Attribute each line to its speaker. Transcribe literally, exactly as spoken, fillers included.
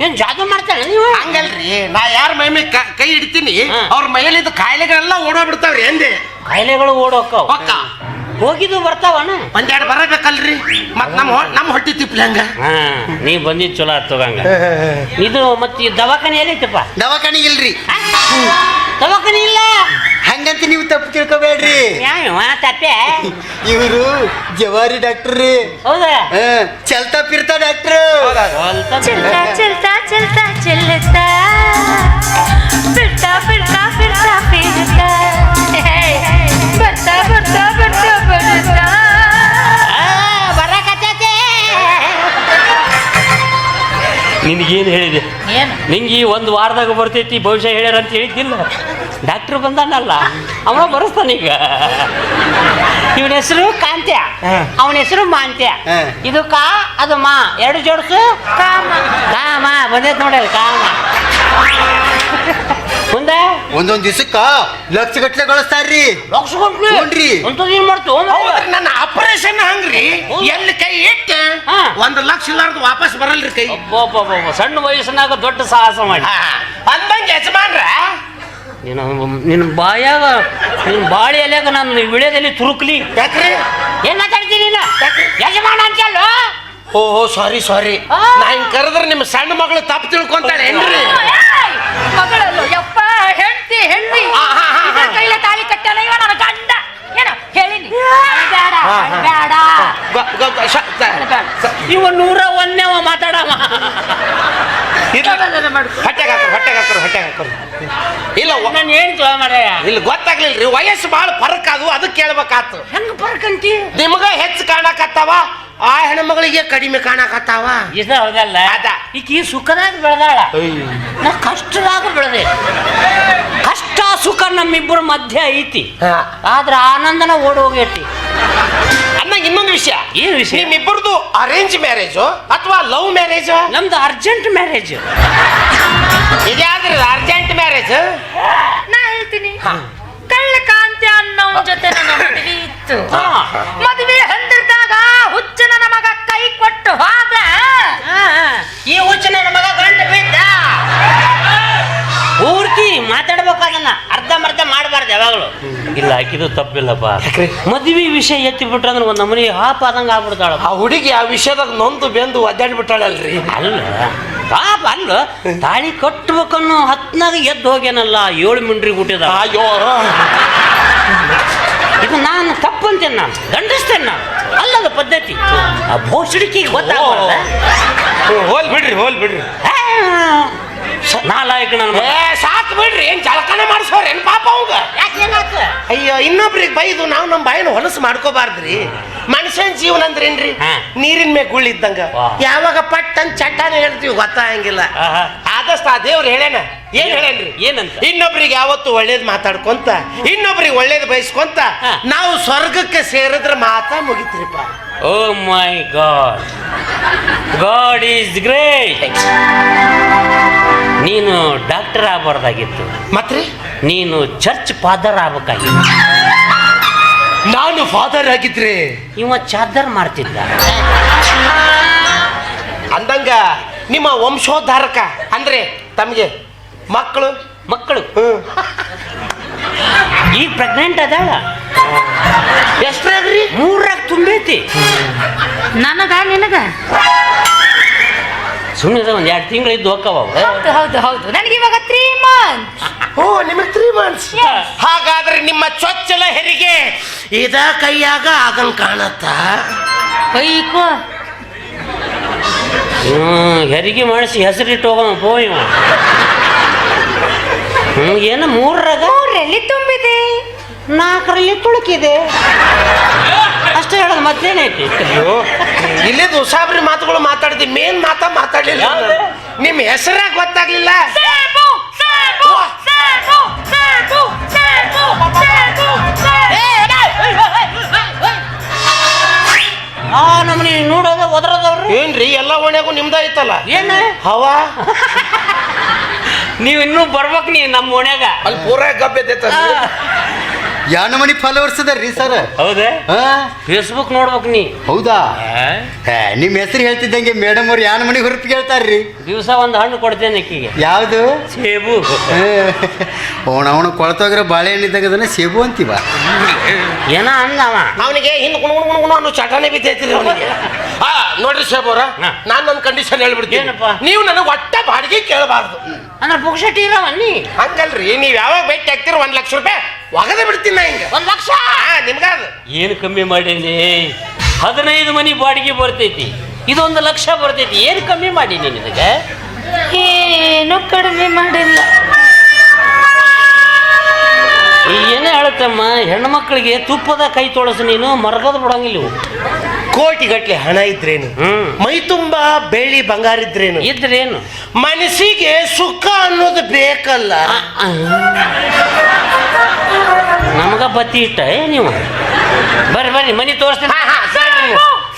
Speaker 1: ಏನ್ ಜಾದು ಮಾಡ್ತಾನೆ ನೀವು?
Speaker 2: ಹಂಗಲ್ರಿ, ನಾ ಯಾರ ಮೈ ಮೇಲೆ ಕೈ ಹಿಡ್ತೀನಿ ಅವ್ರ ಮೈಲಿದ್ದ ಕಾಯಿಲೆಗಳೆಲ್ಲ ಓಡೋಗ್ಬಿಡ್ತಾವ್ರಿ ಎಂದೆ.
Speaker 1: ಕಾಯಿಲೆಗಳು ಓಡೋಕ್ಕವ
Speaker 2: ಪಕ್ಕ
Speaker 1: ಹೋಗಿದ್ದು ಬರ್ತಾವಣ.
Speaker 2: ಒಂದೆರಡು ಬರಬೇಕಲ್ರಿ, ಮತ್ ನಮ್ಮ ನಮ್ಮ ಹೊಟ್ಟಿ ತಿಪ್ಲಿ ಹಂಗ.
Speaker 1: ಹಾ ನೀ ಬಂದಿದ್ ಚಲೋ ಆತೋಗಂಗ. ಇದು ಮತ್ತೆ ಈ ದವಾಖಾನೆ ಎಲ್ಲೈತಪ್ಪ?
Speaker 3: ದವಾಖಾನೆ ಇಲ್ರಿ.
Speaker 1: ದವಾಖಾನೆ ಇಲ್ಲ
Speaker 3: ಹಂಗಂತ ನೀವು ತಪ್ಪು ತಿಳ್ಕೊಬೇಡ್ರಿ.
Speaker 1: ಯಾವ ತಪ್ಪೆ?
Speaker 3: ಇವರು ಜವಾರಿ ಡಾಕ್ಟರ್ ರೀ.
Speaker 1: ಹೌದಾ?
Speaker 3: ಚಲ್ತಾ ಪಿರ್ತಾ ಡಾಕ್ಟರ್.
Speaker 4: चलता चलता चलता चलता फिरता फिरता फिरता फिरता ಬರ್ತಾ ಬರ್ತಾ ಬರ್ತಾ ಬರ್ತಾ
Speaker 1: ಬರಕತ್ತೈತೆ. ನಿನಗೇನು ಹೇಳಿದೆ? ನಿಂಗೆ ಈ ಒಂದು ವಾರದಾಗ ಬರ್ತೈತಿ ಭವಿಷ್ಯ ಹೇಳ್ಯಾರ ಅಂತ ಹೇಳಿದ್ದಿಲ್ಲ. ಡಾಕ್ಟ್ರ್ ಬಂದಾನಲ್ಲ ಅವ ಬರೆಸ್ತಾನೀಗ. ಇವನ ಹೆಸರು ಕಾಂತ್ಯ, ಅವನ ಹೆಸರು ಮಾಂತ್ಯ. ಇದು ಕಾ ಅದು ಮಾ, ಎರಡು ಜೋಡಿಸು ಕಾಮ. ಕಾಮ ಬಂದೈತೆ ನೋಡಿ, ಕಾಮ. ಮುಂದೆ
Speaker 3: ಒಂದೊಂದ್ ದಿವಸಕ್ಕ ಲಕ್ಷ ಗಟ್ಲೆ ಗಳಿಸ್ತಾರ್ರಿ.
Speaker 1: ಲಕ್ಷ ಗಂಟ್ಲೆ
Speaker 3: ನೋಡ್ರಿ
Speaker 1: ಅಂತದ್ ಏನ್ ಮಾಡ್ತು?
Speaker 2: ನನ್ನ ಆಪರೇಷನ್ ಹಂಗ್ರಿ, ಎಲ್ಲಿ ಕೈ ಇಟ್ಟು ಒಂದ್ ಲಕ್ಷ ಇಲ್ಲಾರ್ದು ವಾಪಸ್ ಬರಲ್ರಿ ಕೈ.
Speaker 1: ಸಣ್ಣ ವಯಸ್ಸಿನಾಗ ದೊಡ್ಡ ಸಾಹಸ ಮಾಡಿ
Speaker 2: ಅಂದಂಗೆ ಯಜಮಾನ್ರ
Speaker 1: ನೀನು ನಿನ್ನ ಬಾಯಾಗ ನಿನ್ನ ಬಾಳಿ ಎಲೆಯಾಗ ನಾನು ವಿಳ್ಯದಲ್ಲಿ ತುರುಕ್ಲಿ.
Speaker 2: ಯಾಕ್ರಿ
Speaker 1: ಏನ್ ಮಾತಾಡ್ತೀನಿ ನೀನು? ಯಜಮಾನ ಅಂತಲ್ಲ.
Speaker 2: ಓ ಸಾರಿ ಸಾರಿ, ನಾ ಹಿಂಗ್ ಕರೆದ್ರೆ ನಿಮ್ಮ ಸಣ್ಣ ಮಗಳು ತಪ್ಪು ತಿಳ್ಕೊಂತಾಳೆ ಏನ್ರಿ?
Speaker 4: ಮಗಳಲ್ಲೋ ಯಪ್ಪ, ಹೆಂಡತಿ ಹೆಣ್ಣಿ ಕೈಲ ತಾಳಿ ಕಟ್ಟಲ್ಲ ಇವ ನನ್ನ ಗಂಡ. ಏನೋ ಹೇಳಿನಿ ಬೇಡ ಬೇಡ.
Speaker 1: ಇವ ನೂರ ಒಂದೇವ ಮಾತಾಡವ.
Speaker 2: ಹೊಟ್ಟೆಗೆ ಹಾಕೋರು ಹೊಟ್ಟೆಗೆ ಹಾಕೋರು ಹೊಟ್ಟೆಗೆ ಹಾಕೋರು ಇಲ್ಲ
Speaker 1: ನಾನು ಹೇಳ್ತು ಮಾರಾಯ.
Speaker 2: ಇಲ್ಲಿ ಗೊತ್ತಾಗ್ಲಿಲ್ರಿ, ವಯಸ್ಸು ಭಾಳ ಫರಕ್ ಅದು, ಅದಕ್ಕೆ ಕೇಳ್ಬೇಕಾತು.
Speaker 1: ಹೆಂಗ ಬರ್ಕಂತಿ?
Speaker 2: ನಿಮ್ಗ ಹೆಚ್ಚು ಕಾಣಕತ್ತಾವ, ಆ ಹೆಣ್ಮಗಳಿಗೆ ಕಡಿಮೆ ಕಾಣಕತ್ತಾವ.
Speaker 1: ಇದ ಹೌದಲ್ಲ?
Speaker 2: ಅದ
Speaker 1: ಈಕಿ ಸುಖದಾಗ ಬೆಳೆದಾಳ, ನಾ ಕಷ್ಟದಾಗ ಬೆಳೆದೆ. ಕಷ್ಟ ಸುಖ ನಮ್ಮಿಬ್ಬರ ಮಧ್ಯ ಐತಿ, ಆದ್ರ ಆನಂದನ ಓಡಿ ಹೋಗೈತಿ.
Speaker 2: ಅನ್ನ ಇನ್ನೊಂದು ವಿಷಯ.
Speaker 1: ಏನ್ ವಿಷಯ?
Speaker 2: ನಿಮ್ಮಿಬ್ಬರದು ಅರೇಂಜ್ ಮ್ಯಾರೇಜು ಅಥವಾ ಲವ್ ಮ್ಯಾರೇಜ್?
Speaker 1: ನಮ್ದು ಅರ್ಜೆಂಟ್ ಮ್ಯಾರೇಜ್.
Speaker 2: ಇದ್ಯಾವ್ದ್ರಿ ಅರ್ಜೆಂಟ್ ಮ್ಯಾರೇಜ್?
Speaker 4: ನಾ ಹೇಳ್ತೀನಿ, ಕಳ್ಳ ಕಾಂತಿ ಅನ್ನೋನ್ ಜೊತೆ ನನ್ನ ಮದುವೆ ಇತ್ತು. ಮದುವೆ ಹಂದಿರ್ದಾಗ ಹುಚ್ಚ ನನ್ನ ಮಗ ಕೈ ಕೊಟ್ಟು ಹೋದ.
Speaker 1: ಈ ಹುಚ್ಚ ನನ್ನ ಮಗ ಗಂಟು ಬಿದ್ದ. ಪೂರ್ತಿ ಮಾತಾಡ್ಬೇಕಾದನ್ನ ಅರ್ಧ ಮರ್ಧ ಮಾಡಬಾರ್ದು ಯಾವಾಗಲೂ. ಇಲ್ಲ ಆಕಿದು ತಪ್ಪಿಲ್ಲಪ್ಪ. ಮದ್ವಿ ವಿಷಯ ಎತ್ತಿ ಬಿಟ್ರ ಅಂದ್ರೆ ಒಂದ್ ನಮನಿ ಹಾಪ ಆದಂಗ ಆಗ್ಬಿಡ್ತಾಳ.
Speaker 2: ಆ ಹುಡುಗಿ ಆ ವಿಷಯದಾಗ ನೊಂದು ಬೆಂದು ಒದ್ದಾಡ್ಬಿಟ್ಟಾಳಲ್ರಿ.
Speaker 1: ಅಲ್ಲ ಪಾಪ ಅಲ್ಲ, ತಾಳಿ ಕಟ್ಬೇಕನ್ನೋ ಹತ್ನಾಗ ಎದ್ದು ಹೋಗ್ಯಾನಲ್ಲ, ಏಳು ಮಿಂಡ್ರಿ ಹುಟ್ಟಿದ.
Speaker 2: ಅಯ್ಯೋ,
Speaker 1: ಇದು ನಾನು ತಪ್ಪಂತೇನೆ, ನಾನು ಗಂಡಿಸ್ತೇನೆ ನಾನು. ಅಲ್ಲದ ಪದ್ಧತಿ ಆ ಭೋಸಡಿಕೆಗೆ ಗೊತ್ತಾಗ.
Speaker 2: ಹೋಲ್ ಬಿಡ್ರಿ ಹೋಲ್ ಬಿಡ್ರಿ
Speaker 1: ನಾಲಾಯಕ ನನ್ನ
Speaker 2: ಸಾಕು ಬಿಡ್ರಿ. ಏನ್ ಜಳಕನ ಮಾಡಿಸೋರ್ ಏನ್ ಪಾಪ ಅವಂಗ? ಅಯ್ಯೋ, ಇನ್ನೊಬ್ರಿಗೆ ಬೈದು ನಾವು ನಮ್ಮ ಬಾಯಿನ ಹೊಲಸು ಮಾಡ್ಕೋಬಾರ್ದ್ರಿ. ಮನುಷ್ಯನ ಜೀವನ ಅಂದ್ರೆ ಏನ್ರಿ? ನೀರಿನ ಮೇಲೆ ಗುಳ್ಳಿದ್ದಂಗ, ಯಾವಾಗ ಪಟ್ ಅಂತ ಚಟ್ಟಾನ ಹೇಳ್ತೀವಿ ಗೊತ್ತಾಗಂಗಿಲ್ಲ. ಆದಷ್ಟು ಆ ದೇವ್ರು ಹೇಳೇನ. ಏನ್ ಹೇಳೇನ್ರಿ? ಏನಂತ? ಇನ್ನೊಬ್ರಿಗೆ ಯಾವತ್ತು ಒಳ್ಳೇದ್ ಮಾತಾಡ್ಕೊಂತ, ಇನ್ನೊಬ್ರಿಗೆ ಒಳ್ಳೇದ್ ಬಯಸ್ಕೊಂತ ನಾವು ಸ್ವರ್ಗಕ್ಕೆ ಸೇರಿದ್ರೆ ಮಾತಾ ಮುಗಿತ್ರಿಪ್ಪ.
Speaker 1: Oh my God, God is great. ನೀನು ಡಾಕ್ಟರ್ ಆಗಬಾರ್ದಾಗಿತ್ತು,
Speaker 2: ಮತ್ರಿ
Speaker 1: ನೀನು ಚರ್ಚ್ ಫಾದರ್ ಆಗ್ಬೇಕಾಗಿತ್ತು.
Speaker 2: ನಾನು ಫಾದರ್ ಆಗಿದ್ರೆ
Speaker 1: ಇವ ಚಾದರ್ ಮಾಡ್ತಿದ್ದ.
Speaker 2: ಅಂದಂಗ ನಿಮ್ಮ ವಂಶೋದ್ಧಾರಕ ಅಂದ್ರೆ ತಮಗೆ ಮಕ್ಕಳು
Speaker 1: ಮಕ್ಕಳು ಈಗ ಪ್ರೆಗ್ನೆಂಟ್ ಅದಾಳ.
Speaker 2: ಎಷ್ಟ್ರಾಗ್ರಿ?
Speaker 1: ಮೂರಾಗ ತುಂಬೈತಿ.
Speaker 4: ನನಗ ನಿನಗ
Speaker 1: ಸುಮ್ಮನೆ ಒಂದ್ ಎರಡು ತಿಂಗಳು ಇದ್ದು ಹೋಕ್ಕವ.
Speaker 4: ಹೌದು ಹೌದು ಹೌದು, ನನಗೆ ಇವಾಗ ತ್ರೀ ಮಂತ್ಸ್.
Speaker 2: ಓ, ನಿಮಗೆ ತ್ರೀ ಮಂತ್ಸ್. ಹಾಗಾದ್ರೆ ನಿಮ್ಮ ಚೊಚ್ಚಲ ಹೆರಿಗೆ ಇದ ಕೈಯಾಗ ಆಗಂಗ್ ಕಾಣತ್ತ.
Speaker 4: ಅಯ್ಯೋ,
Speaker 1: ಹ್ಮ್ ಹೆರಿಗೆ ಮಾಡಿಸಿ ಹೆಸರಿಟ್ಟು ಹೋಗೋಣ ಪೋ ಇವ. ಹ್ಮ್ ಏನ ಮೂರರಾಗ
Speaker 4: ಮೂರಲ್ಲಿ ತುಂಬಿದೆ,
Speaker 1: ನಾಲ್ಕರಲ್ಲಿ ತುಳುಕಿದೆ ಅಷ್ಟೇ ಹೇಳೋದು, ಮತ್ತೇನೈತಿ?
Speaker 2: ಅಯ್ಯೋ, ಇಲ್ಲಿದ್ದು ಉಸಾಬ್ರಿ ಮಾತುಗಳು ಮಾತಾಡಿದ್ವಿ, ಮೇನ್ ಮಾತಾ ಮಾತಾಡ್ಲಿಲ್ಲ. ನಿಮ್ಮ ಹೆಸರಾಗ ಗೊತ್ತಾಗ್ಲಿಲ್ಲ.
Speaker 1: ಆ ನಮ್ಮನಿ ನೋಡೋದ ಒದರದವ್ರು
Speaker 2: ಏನ್ರಿ? ಎಲ್ಲ ಓಣ್ಯಾಗೂ ನಿಮ್ದ ಐತಲ್ಲ.
Speaker 1: ಏನ
Speaker 2: ಹವಾ?
Speaker 1: ನೀವ್ ಇನ್ನೂ ಬರ್ಬೇಕ್ ನೀ ನಮ್ಮ ಓಣ್ಯಾಗ.
Speaker 2: ಅಲ್ಲಿ ಪೂರ ಗಬ್ಬೆದೈತ.
Speaker 3: ಯಾನ ಮನಿ ಫಾಲೋವರ್ಸ್ ಅದಾರ್ರಿ ಸರ್.
Speaker 1: ಹೌದಾ?
Speaker 3: ಹಾ
Speaker 1: ಫೇಸ್ಬುಕ್ ನೋಡ್ಬೇಕು ನೀ.
Speaker 3: ಹೌದಾ? ಏ, ನಿಮ್ ಹೆಸರು ಹೇಳ್ತಿದ್ದಂಗೆ ಮೇಡಮ್ ಅವ್ರು ಯಾನ ಮನಿ ಹೊರತು ಕೇಳ್ತಾರ್ರಿ.
Speaker 1: ದಿವಸ ಒಂದು ಹಣ್ಣು ಕೊಡ್ತೇನೆ ಅಕ್ಕಿಗೆ.
Speaker 3: ಯಾವ್ದು?
Speaker 1: ಸೇಬು.
Speaker 3: ಅವನ ಅವನ ಕೊಳ್ತೋಗ್ರೆ ಬಾಳೆಹಣ್ಣು ಇದ್ದಾಗ ಅದನ್ನ ಸೇಬು ಅಂತೀವ.
Speaker 1: ಏನ ಅಂದವ
Speaker 2: ಅವನಿಗೆ ಹಿಂದ್ ಗುಣ ಗುಣ ಗುಣ ಅನ್ನೋ ಚಟನೆ ಬಿದ್ದೈತಿರಿ ಅವನಿಗೆ. ಆ ನೋಡ್ರಿ ಶೇಬ್ ಅವ್ರ,
Speaker 1: ಹಾ.
Speaker 2: ನಾನ್ ನನ್ನ ಕಂಡೀಷನ್ ಹೇಳ್ಬಿಡ್ತೀನಿ.
Speaker 1: ಏನಪ್ಪ?
Speaker 2: ನೀವು ನನಗೆ ಒಟ್ಟ ಬಾಡಿಗೆ ಕೇಳಬಾರ್ದು.
Speaker 1: ಅಂದ್ರೆ ಪುಕ್ಷಟಿ ಇರವನ್ನಿ.
Speaker 2: ಹಂಗಲ್ರಿ, ನೀವ್ ಯಾವಾಗ ಭೇಟಿ ಆಗ್ತೀರ ಒಂದ್ ಲಕ್ಷ ರೂಪಾಯಿ ಒಗದ ಬಿಡ್ತೀನಿ ನಾ ಹಿಂಗ.
Speaker 1: ಒಂದ್ ಲಕ್ಷ
Speaker 2: ನಿಮ್ಗಾದ
Speaker 1: ಏನು ಕಮ್ಮಿ ಮಾಡೀನಿ? ಹದಿನೈದು ಮನಿ ಬಾಡಿಗೆ ಬರ್ತೈತಿ, ಇದೊಂದು ಲಕ್ಷ ಬರ್ತೈತಿ. ಏನು ಕಮ್ಮಿ ಮಾಡೀನಿ ನಿನಗೆ?
Speaker 4: ಏನು ಕಡಿಮೆ ಮಾಡಿಲ್ಲ.
Speaker 1: ಏನೇ ಹೇಳುತ್ತಮ್ಮ, ಹೆಣ್ಣು ಮಕ್ಕಳಿಗೆ ತುಪ್ಪದ ಕೈ ತೊಳಸು, ನೀನು ಮರಗದ ಬಿಡಂಗಿಲ್ಲ ಇವು.
Speaker 2: ಕೋಟಿ ಗಟ್ಲೆ ಹಣ ಇದ್ರೇನು,
Speaker 1: ಹ್ಮ್
Speaker 2: ಮೈ ತುಂಬಾ ಬೆಳ್ಳಿ ಬಂಗಾರ ಇದ್ರೇನು,
Speaker 1: ಇದ್ರೇನು
Speaker 2: ಮನಸ್ಸಿಗೆ ಸುಖ ಅನ್ನೋದು ಬೇಕಲ್ಲ.
Speaker 1: ನಮಗ ಬತ್ತಿ ಇಟ್ಟ ನೀವು. ಬರ್ರಿ ಬರ್ರಿ ಮನಿ ತೋರಿಸ್ತೀನಿ.
Speaker 2: ಹಾ, ಹಾ, ಸರಿ.